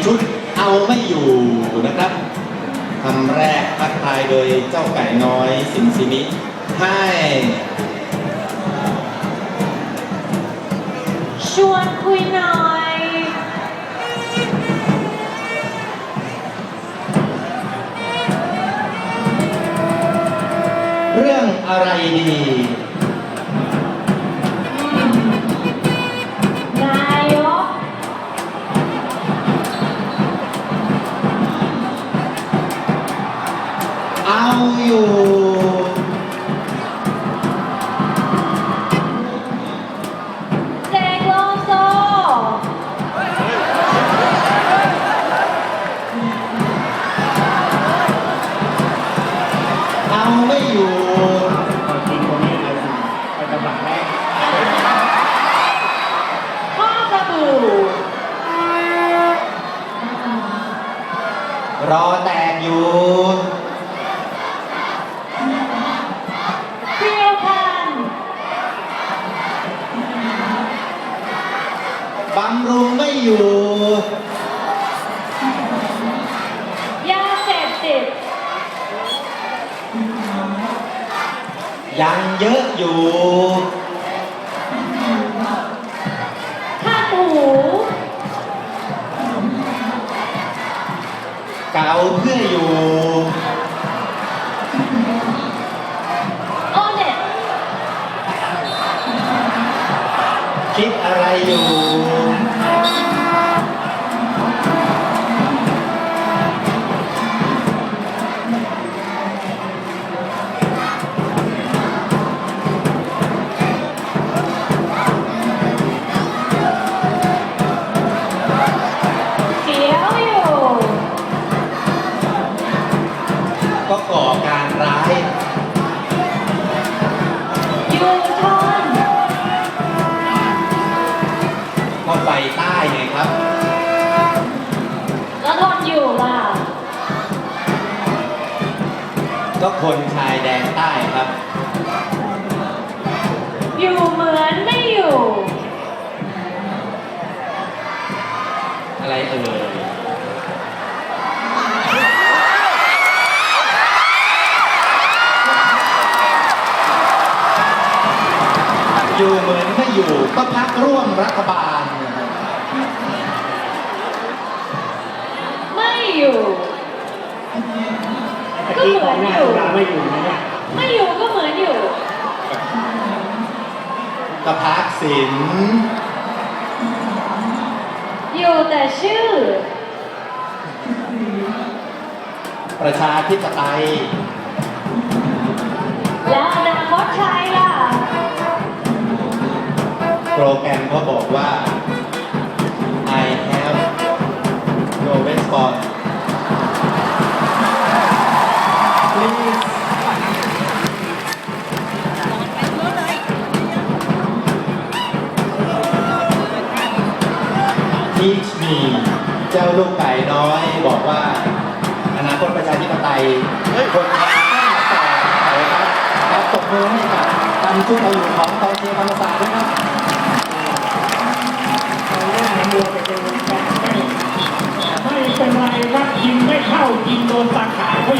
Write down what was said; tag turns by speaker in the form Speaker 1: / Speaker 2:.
Speaker 1: ชุดเอาไม่อยู่นะครับคำแรกทักทายโดยเจ้าไก่น้อยสิงสินิให้
Speaker 2: ชวนคุยหน่อย
Speaker 1: เรื่องอะไรดี
Speaker 2: นายก
Speaker 1: เอาอยู่
Speaker 2: เสกโลโซ
Speaker 1: เอาไม่อยู่
Speaker 3: จริงตรงนี้เลยไปตำหนักแรก
Speaker 2: พ่อกระบู่
Speaker 1: รอแตกอยู่
Speaker 2: เพียวพันธุ์
Speaker 1: บำรุงไม่อยู่
Speaker 2: ยาเสพติด
Speaker 1: ยังเยอะอยู่
Speaker 2: ข้าหู
Speaker 1: เก่าเพื่ออยู่
Speaker 2: โอเน็ต
Speaker 1: คิดอะไรอยู่
Speaker 2: เขียวอยู่
Speaker 1: ก็ก่อการร้าย
Speaker 2: ยูทอน
Speaker 1: ก็ไฟใต้ไงครับ
Speaker 2: แล้วทนอยู่ล่ะ
Speaker 1: ก็คนชายแดนใต้ครับ
Speaker 2: อยู่เหมือนไม่อยู่
Speaker 1: อะไรเอ่ยอยู่เหมือนไม่อยู่ก็พักร่วมรัฐบาล
Speaker 2: ไม่อยู่
Speaker 3: ตะกี้ของหน้าตุลาไม่อยู่นะเนี่ย
Speaker 2: ไม่อยู่ก็เหมือนอยู่
Speaker 1: ก็พักสิน
Speaker 2: อยู่แต่ชื่อ
Speaker 1: ประชาธิปไตย
Speaker 2: แล้วอนาคตใครล่ะ
Speaker 1: โปรแกรมเขาบอกว่า I have no response please teach me เจ้าลูกไก่น้อยบอกว่า อนาคตประชาธิปไตยคนไทยต้องต่อไปครับครับตบมือให้กับตันชุดเอาอยู่ของตอนเชียร์ธรรมศาสตร์ด้วยครับ
Speaker 3: หน้ามัวไปเป็นการไม่เป็นไรครับยิงไม่เข้ายิงโดนตาข่าย